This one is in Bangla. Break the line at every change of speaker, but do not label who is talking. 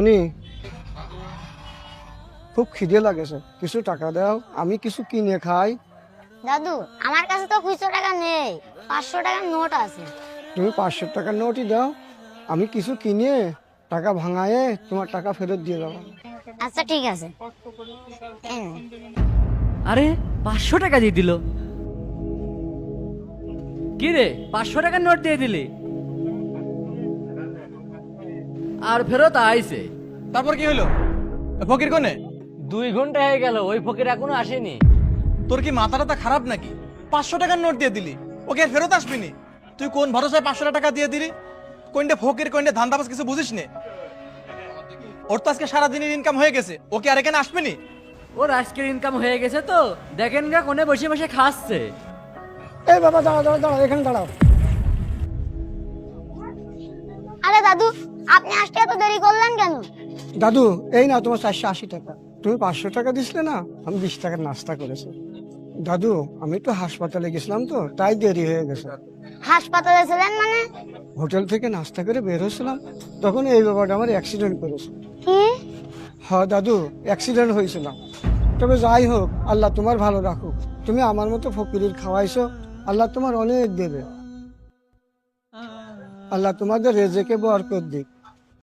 মামুনি, খুব খিদে লাগেছে, কিছু টাকা দাও, আমি কিছু কিনে খাই।
দাদু, আমার কাছে তো খুচরো টাকা নেই, 500 টাকার নোট আছে।
তুমি 500 টাকার নোটই দাও, আমি কিছু কিনে টাকা ভাঙায়ে তোমার টাকা ফেরত দিয়ে দেবো।
আচ্ছা ঠিক আছে। এই নে।
আরে 500 টাকা দিয়ে দিল। কি রে, 500 টাকার নোট দিয়ে দিলি আর ফেরত আইছে?
তারপর কি হলো? ফকির কোনে?
2 ঘন্টা হয়ে গেল, ওই ফকির এখনো আসেনি।
তোর কি মাথাটা খারাপ নাকি? 500 টাকার নোট দিয়ে দিলি, ওকে আর ফেরত আসবি নি? তুই কোন ভরসায় 500 টাকা দিয়ে দিলি? কোনটা ফকির কোনটা ধান্দাবাজ কিছু বুঝিস নে? ওর তো আজকে সারাদিনের ইনকাম হয়ে গেছে, ওকে আর এখানে আসবে নি?
ওর আজকের ইনকাম হয়ে গেছে তো, দেখেন গা কোনে বসে বসে খাচ্ছে।
এই বাবা, দাঁড়াও দাঁড়াও দাঁড়াও, এখানে দাঁড়াও।
আরে দাদু, আপনি আসতে এত দেরি করলেন কেন?
দাদু, এই না তোমার 480 টাকা। তুমি 500 টাকা দিছিলে না, আমি 20 টাকার নাস্তা করেছি। দাদু, আমি একটু হাসপাতালে গেছিলাম তো, তাই দেরি হয়ে গেছে।
হাসপাতালে ছিলেন মানে?
হোটেল থেকে নাস্তা করে বের হয়েছিলাম, তখন এই ব্যাপারটা আমার অ্যাক্সিডেন্ট করেছে।
কি?
হ্যাঁ দাদু, অ্যাক্সিডেন্ট হয়েছিল। তবে যাই হোক, আল্লাহ তোমার ভালো রাখুক। তুমি আমার মতো ফকিরের খাওয়াইছো, আল্লাহ তোমার অনেক দেবে। আল্লাহ তোমাদের রেজেকে বরকত দিক।